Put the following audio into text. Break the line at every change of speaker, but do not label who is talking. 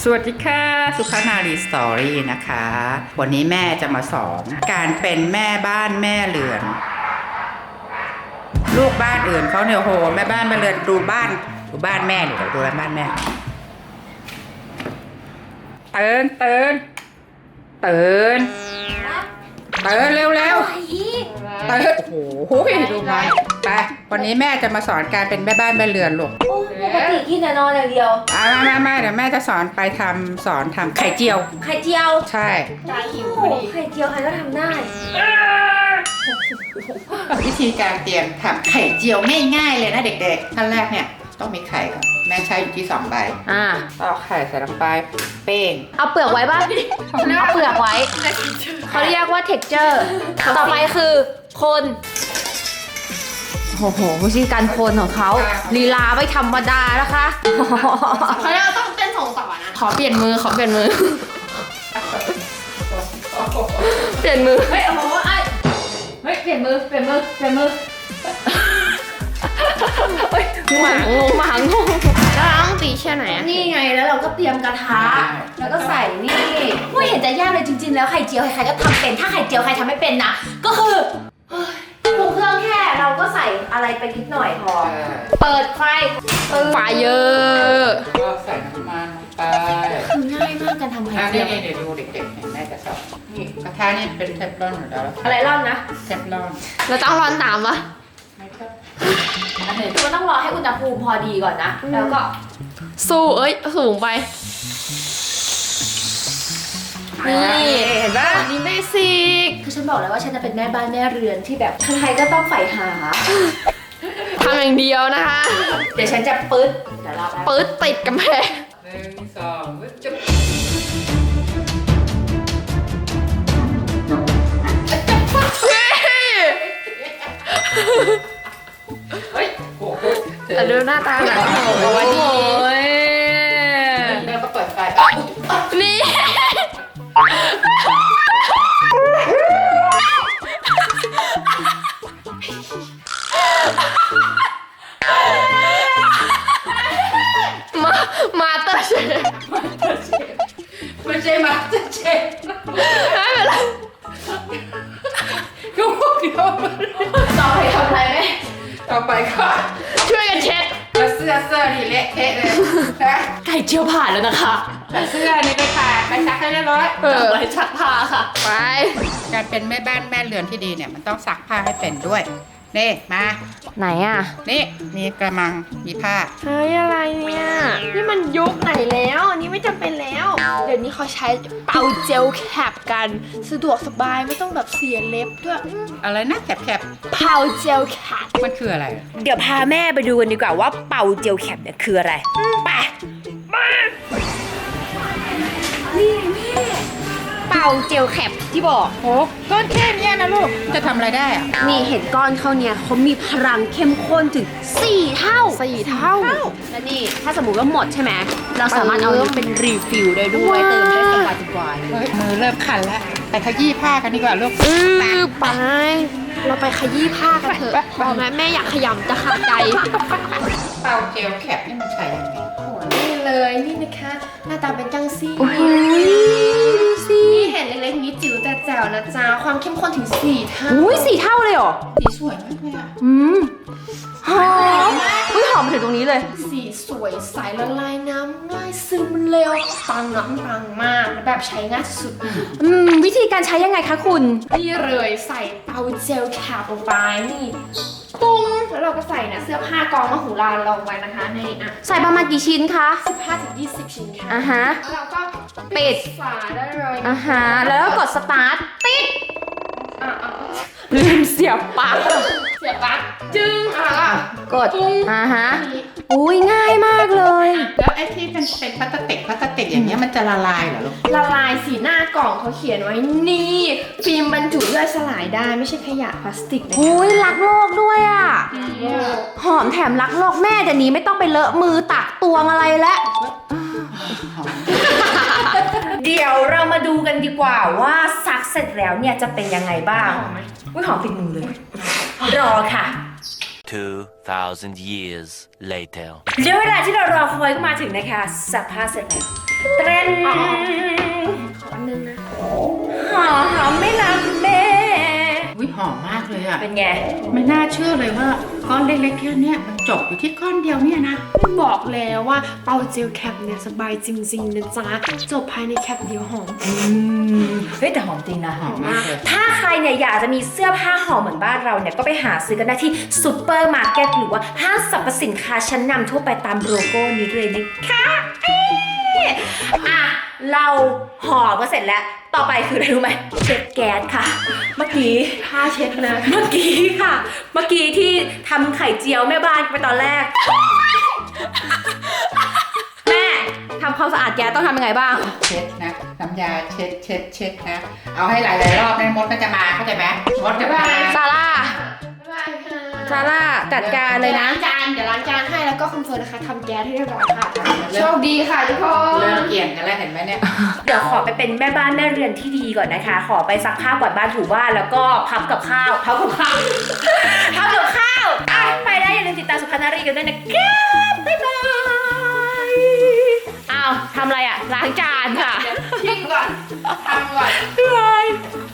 วัสดีค่ะสุภานารีสตอรี่นะคะวันนี้แม่จะมาสอนการเป็นแม่บ้านแม่เรือนลูกบ้านอื่นเขาเนี่ยโหแม่บ้านแม่เรือนดูบ้านแม่เดี๋ยวดูบ้านแม่ตื่นเร็วตื่นโอ้โหดูไหมไปวันนี้แม่จะมาสอนการเป็นแม่บ้านแม่เรือนลูก
ปกติกินแต่นอนอย่างเดียว
ไม่เดี๋ยวแม่จะสอนทำไข่เจียวใช่
ไข่เจียวใครก็ทำได้
วิธีการเตรียมทำไข่เจียวง่ายๆเลยนะเด็กๆขั้นแรกเนี่ยต้องมีไข่ก่อนแม่ใช้อยู่ที่2 ใบเอาไข่ใส่ลงไปเป้ง
เอาเปลือกไว้ป่ะเอาเปลือกไว้เขาเรียกว่า texture ต่อไปคือคนโอ้โหวิธีการคนของเขาลีลาไม่ธรรมดานะคะ
เขาต้องเต้น2 ต่อนะ
ขอเปลี่ยนมือเปลี่ยนมือเฮ้ยโอ้โหเฮ้ยเปลี่ยนมือหมางง
แล้วต้องตีแค่ไหน
นี่ไงแล้วเราก็เตรียมกระทะแล้วก็ใส่นี่ไม่เห็นจะยากเลยจริงๆแล้วไข่เจียวใครๆก็ทำเป็นถ้าไข่เจียวใครทำไม่เป็นนะก็คือปรุงเครื่องแค่เราก็ใส่อะไรไปนิดหน่อยพอเปิดไฟ
เยอะ
ก็ใส่น้ำมันไป
คือง่ายมากการทำไข่เจียว
นี่เดี๋ยวดูเด็กๆเห็นแม่จะสอนนี่กระทะนี่เป็นเทฟลอนอยู่แล้ว
อะไรร่อนนะ
เทฟลอน
เราต้องร้อนตามปะ
มันต้องรอให้อุณหภูมิพอดีก่อนนะแล้วก็
สูงไปนี่เห็นปะนี่เบสิก
คือฉันบอกแล้วว่าฉันจะเป็นแม่บ้านแม่เรือนที่แบบใครๆก็ต้องใฝ่หา
ทำอย่างเดียวนะคะ
เดี๋ยวฉันจะปึ๊ด
ติดกำแพง
1 2จุ๊บ
ดูหน้าตาหนังโอ้ย
แล้วก็เปิดไฟ
นี่มาเตอร์เชฟ
ไม่ใช่มาสเตอร์เชฟ
ไม่เป็นไร
ก็พวกเดียว
ต่อไปทำอะไรไหม
ต่อไปก็
ช่วยกันเช็ด
เสื้อนี่เละเทะเลยนะ
ไก่เจียวผ่านแล้วนะคะ
เสื้อนี่ไปผ่านไปซักให้เรียบร้อย
ไปซักผ้าค่ะไป
การเป็นแม่บ้านแม่เรือนที่ดีเนี่ยมันต้องซักผ้าให้เป็นด้วยนี่มา
ไหนอ่ะ
นี่มีกระมังมีผ้า
เฮ้ยอะไรเนี่ยนี่มันยุคไหนแล้วอันนี้ไม่จำเป็นแล้วเดี๋ยวนี้เขาใช้เป่าเจลแคปกันสะดวกสบายไม่ต้องแบบเสียเล็บด้วย
อะไรนะแคป
เป่าเจลแคป
มันคืออะไร
เดี๋ยวพาแม่ไปดูกันดีกว่าว่าเป่าเจลแคปเนี่ยคืออะไรไปนี่แม่เป่าเจลแคปที่บอก
โอ้ก้อนแค่นี้นะลูกจะทำอะไรได้อะ
นี่เห็นก้อนเขาเนี่ยเขามีพลังเข้มข้นถึง4 เท่าและนี่ถ้าสมมุติว่าหมดใช่ไหมเราสามารถเอานี้เป็นรีฟิลได้ด้วยเติมได้สบาย
มือเริ่มคันแล้วไปขยี้ผ้ากันดีกว่าลูก
ไปเราไปขยี้ผ้ากันเถอะพอแม่อยากขยำจะขาดใจ
เป่าเจลแคปนี่มันใช้ยังไง
นี่เลยนี่นะคะหน้าตาเป็นจังซี่
นี่
เห็นเล็กๆนี้จิ๋วแต่แจ๋วนะจ๊ะความเข้มข้นถึง4 เท่า
4 เท่าเลยเหรอ
สีสวยมากเลยอ่ะ
หอมหอมถึงตรงนี้เลย
สีสวยใสละลายน้ำง่ายซึมเร็วปังมากแบบใช้ง่ายสุด
วิธีการใช้ยังไงคะคุณ
นี่เลยใส่เตาเจลแคปลงไปนี่ปุ้งแล้วเราก็ใส่นะเสื้อผ้ากองมะหูลาลงไว้นะคะใน
ใส่ประมาณกี่ชิ้นคะ
15-20 ชิ้นค่ะ
แล้วเราก็ปิด
ฝาได้เลย
แล้วก็กดสตาร์ทติดลืมเสียบปลั๊ก
จึง
กดอุ้ยง่ายมากเลย
แล้วไอ้ที่เป็นพลาสติกอย่างเงี้ยมันจะละลายเหรอลูก
ละลายสีหน้ากล่องเขาเขียนไว้นี่ฟิล์มบรรจุย่อยสลายได้ไม่ใช่ขยะพลาสติกนะคะ
อุ้ยรักโลกด้วยอ่ะหอมแถมรักโลกแม่เดี๋ยวนี้ไม่ต้องไปเลอะมือตักตวงอะไรแล้วเดี๋ยวเรามาดูกันดีกว่าว่าซักเสร็จแล้วเนี่ยจะเป็นยังไงบ้างอุ้ยหอมติดมือเลยรอค่ะ
2,000 years later
เดี๋ยวเวลาที่เรารอคอยก็มาถึงนะคะซักผ้าเสร็จแล้วเตรนขอนึงนะหอมไม่รักแม่
อุ้ยหอมมากเลยอะ
เป็นไง
ไม่น่าเชื่อเลยว่าก้อนเล็กๆแค่เนี้ยมันจบอยู่ที่ก้อนเดียวเนี่ยนะ
บอกแล้วว่าเป่าเจลแคปเนี่ยสบายจริงๆนะจ๊ะจบภายในแคปเดียวหอม
เฮ้ยแต่หอมจริงนะ
หอมมากเลย
ถ้าใครเนี่ยอยากจะมีเสื้อผ้าหอมเหมือนบ้านเราเนี่ยก็ไปหาซื้อกันได้ที่ซูเปอร์มาร์เก็ตหรือว่าห้างสรรพสินค้าชั้นนำทั่วไปตามโลโก้นี้เลยนะคะอ่ะเราห่อก็เสร็จแล้วต่อไปคืออะไรรู้ไหมเช็ดแก๊สค่ะ เมื่อกี้
ผ้าเช็ดนะ
เมื่อกี้ค่ะ เมื่อกี้ที่ทำไข่เจียวแม่บ้านไปตอนแรก แม่ทำความสะอาดแก๊สต้องทำยังไงบ้าง
เช็ดนะน้ำยาเช็ดนะ เอาให้หลายๆรอบนะมดก็จะมาเข้าใจไหมมดจะมา
ซาร่า ซาร่าจัดการเลยนะ
เดี๋ยวล้างจานให้แล้วก็คุณเฟิร์นนะคะทำแก๊สให้เรียบร้อยค่ะ โชคดีค่ะทุกคน
เริ่มเกี่ยงกันแล้วเห็นไหมเนี่ย
เดี๋ยวขอไปเป็นแม่บ้านแม่เรือนที่ดีก่อนนะคะ ขอไปซักผ้ากวาดบ้านถูบ้านแล้วก็พับกับข้าวอ่ะไปได้อย่าลืมติดตามสุพรรณรีกันด้วยนะครับบ๊ายบายอ้าวทำอะไรอ่ะล้างจานค่ะ
ทิ้งก่อนทำก่อน
บ๊ายบาย